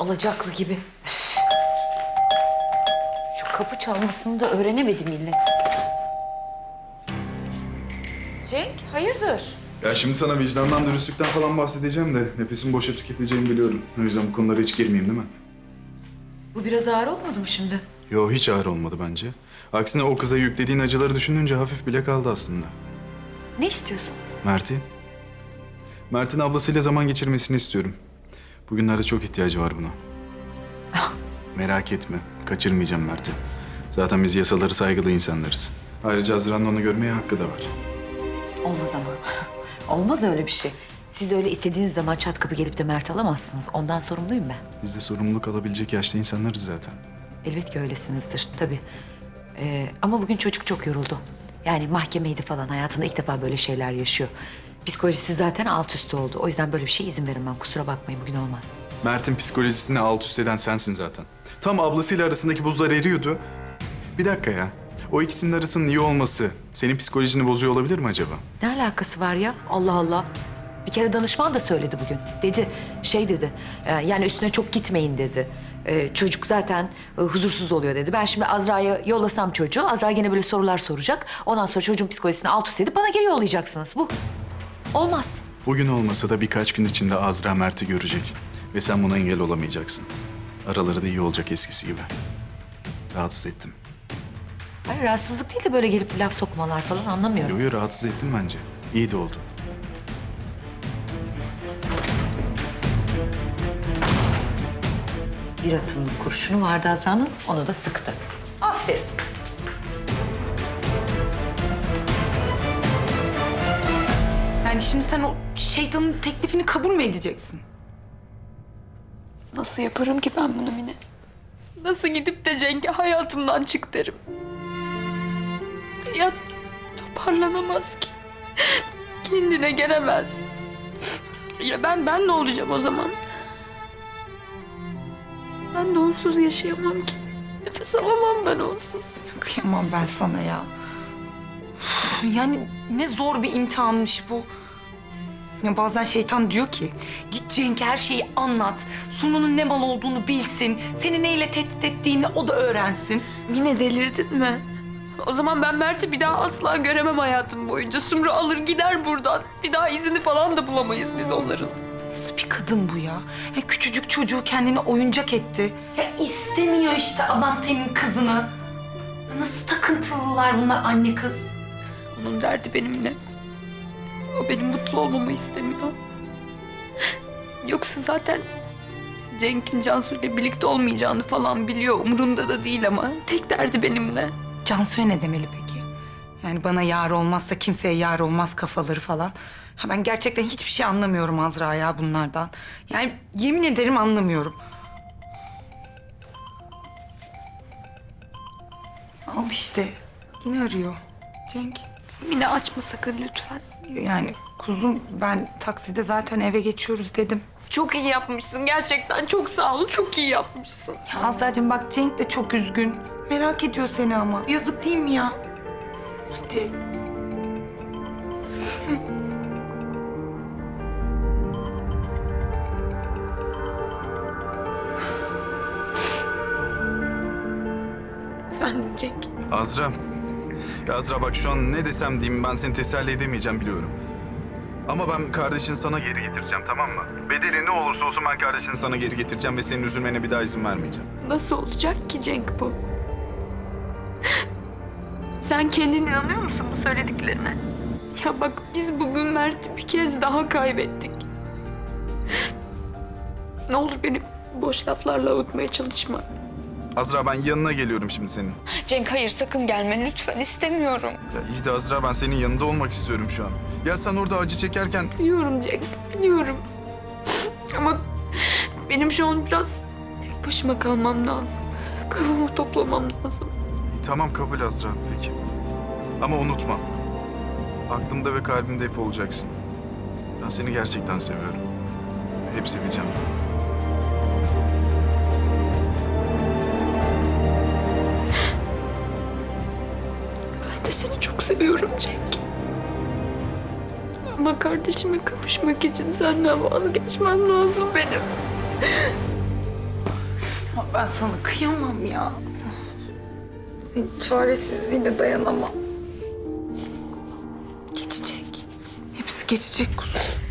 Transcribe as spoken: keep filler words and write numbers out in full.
alacaklı gibi. Üf. Şu kapı çalmasını da öğrenemedi millet. Cenk, hayırdır? Ya şimdi sana vicdandan, dürüstlükten falan bahsedeceğim de nefesimi boşa tüketeceğimi biliyorum. O yüzden bu konulara hiç girmeyeyim değil mi? Bu biraz ağır olmadı mı şimdi? Yo, hiç ağır olmadı bence. Aksine o kıza yüklediğin acıları düşününce hafif bile kaldı aslında. Ne istiyorsun? Mert'i. Mert'in ablasıyla zaman geçirmesini istiyorum. Bugünlerde çok ihtiyacı var buna. Merak etme, kaçırmayacağım Mert'i. Zaten biz yasaları saygılı insanlarız. Ayrıca Azra'nın onu görmeye hakkı da var. Olmaz ama. Olmaz öyle bir şey. Siz öyle istediğiniz zaman çat kapı gelip de Mert alamazsınız. Ondan sorumluyum ben. Biz de sorumluluk alabilecek yaşta insanlarız zaten. Elbet ki öylesinizdir tabii. Ee, ama bugün çocuk çok yoruldu. Yani mahkemeydi falan, hayatında ilk defa böyle şeyler yaşıyor. Psikolojisi zaten alt üst oldu. O yüzden böyle bir şey izin veremem. Kusura bakmayın, bugün olmaz. Mert'in psikolojisini alt üst eden sensin zaten. Tam ablasıyla arasındaki buzlar eriyordu. Bir dakika ya. O ikisinin arasının iyi olması senin psikolojini bozuyor olabilir mi acaba? Ne alakası var ya? Allah Allah. Bir kere danışman da söyledi bugün. Dedi, şey dedi, e, yani üstüne çok gitmeyin dedi. E, çocuk zaten e, huzursuz oluyor dedi. Ben şimdi Azra'ya yollasam çocuğu, Azra gene böyle sorular soracak. Ondan sonra çocuğun psikolojisini alt üst edip bana geri yollayacaksınız. Bu olmaz. Bugün olmasa da birkaç gün içinde Azra Mert'i görecek. Ve sen buna engel olamayacaksın. Araları da iyi olacak eskisi gibi. Rahatsız ettim. Hayır, rahatsızlık değil de böyle gelip laf sokmalar falan, anlamıyorum. Yo yo, rahatsız ettim bence. İyi de oldu. Bir atımlık kurşunu vardı Azra'nın, onu da sıktı. Aferin. Yani şimdi sen o şeytanın teklifini kabul mü edeceksin? Nasıl yaparım ki ben bunu Mine? Nasıl gidip de Cenk'e hayatımdan çık derim? Ya toparlanamaz ki. Kendine gelemez. Ya ben, ben ne olacağım o zaman? Ben de onsuz yaşayamam ki. Nefes alamam ben onsuz. Kıyamam ben sana ya. Üf, yani ne zor bir imtihanmış bu. Ya bazen şeytan diyor ki, git Cenk'e her şeyi anlat. Sumru'nun ne mal olduğunu bilsin. Seni neyle tehdit ettiğini o da öğrensin. Mine, delirdin mi? O zaman ben Mert'i bir daha asla göremem hayatım boyunca. Sumru alır gider buradan. Bir daha izini falan da bulamayız biz onların. Nasıl bir kadın bu ya? Ya küçücük çocuğu kendine oyuncak etti. Ya istemiyor işte adam senin kızını. Ya nasıl takıntılılar bunlar anne kız. Onun derdi benimle. O benim mutlu olmamı istemiyor. Yoksa zaten Cenk'in Cansu'yla birlikte olmayacağını falan biliyor. Umurunda da değil ama tek derdi benimle. Cansu'ya ne demeli peki? Yani bana yar olmazsa kimseye yar olmaz kafaları falan. Ha ben gerçekten hiçbir şey anlamıyorum Azra ya bunlardan. Yani yemin ederim anlamıyorum. Al işte. Yine arıyor. Cenk. Mine, açma sakın lütfen. Yani kuzum ben takside zaten eve geçiyoruz dedim. Çok iyi yapmışsın gerçekten. Çok sağ ol. Çok iyi yapmışsın. Ya Azra'cığım bak Cenk de çok üzgün. Merak ediyor seni ama. Yazık değil mi ya? Hadi. Efendim Cenk. Azra. Ya Azra bak, şu an ne desem diyeyim, ben seni teselli edemeyeceğim biliyorum. Ama ben kardeşini sana geri getireceğim, tamam mı? Bedeli ne olursa olsun ben kardeşini sana geri getireceğim ve senin üzülmene bir daha izin vermeyeceğim. Nasıl olacak ki Cenk bu? Sen kendin inanıyor musun bu söylediklerine? Ya bak, biz bugün Mert'i bir kez daha kaybettik. Ne olur beni boş laflarla avutmaya çalışma. Azra, ben yanına geliyorum şimdi senin. Cenk, hayır, sakın gelme lütfen, istemiyorum. Ya iyi de Azra, ben senin yanında olmak istiyorum şu an. Ya sen orada acı çekerken... Biliyorum Cenk, biliyorum. Ama benim şu an biraz tek başıma kalmam lazım. Kafamı toplamam lazım. İyi, tamam kabul Azra, peki. Ama unutma. Aklımda ve kalbimde hep olacaksın. Ben seni gerçekten seviyorum. Hep seveceğim de. Ben de seni çok seviyorum Cenk. Ama kardeşime kavuşmak için senden vazgeçmem lazım benim. Ama ben sana kıyamam ya. Senin çaresizliğine dayanamam. Geçecek. Hepsi geçecek kuzum.